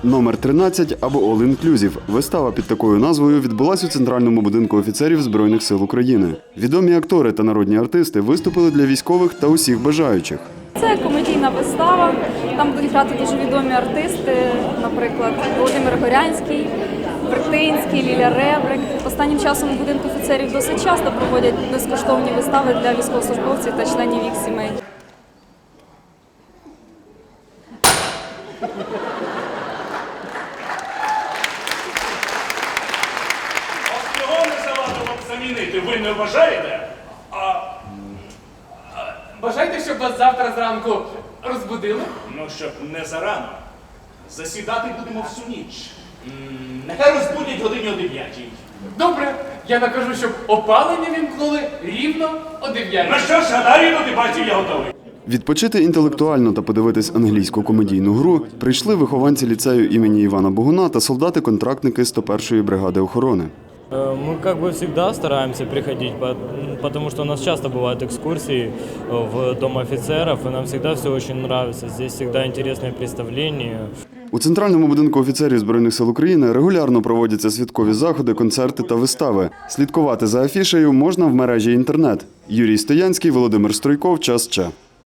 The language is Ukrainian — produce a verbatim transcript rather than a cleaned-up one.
Номер тринадцять або All Inclusive. Вистава під такою назвою відбулась у Центральному будинку офіцерів Збройних сил України. Відомі актори та народні артисти виступили для військових та усіх бажаючих. Це комедійна вистава, там будуть грати дуже відомі артисти, наприклад, Володимир Горянський, Вертинський, Ліля Ребрик. Останнім часом у будинку офіцерів досить часто проводять безкоштовні вистави для військовослужбовців та членів їх сімей. Його не завадило б замінити, ви не вважаєте? А... Бажаєте, щоб вас завтра зранку розбудили? Ну, щоб не зарано. Засідати будемо всю ніч. М, Нехай розбудять годині о дев'ятій. Добре, я накажу, щоб опалення вімкнули рівно о дев'ятій. Ну що ж, гадаю, до дебатів я готовий. Відпочити інтелектуально та подивитись англійську комедійну гру прийшли вихованці ліцею імені Івана Богуна та солдати-контрактники сто першої бригади охорони. Мы как бы всегда стараемся приходить, потому что у нас часто бывают экскурсии в Дом офицеров, и нам всегда все очень нравится. Здесь всегда интересные представления. У Центральному будинку офіцерів Збройних сил України регулярно проводяться святкові заходи, концерти та вистави. Слідкувати за афішею можна в мережі інтернет. Юрій Стоянський, Володимир Стройков, Час Че.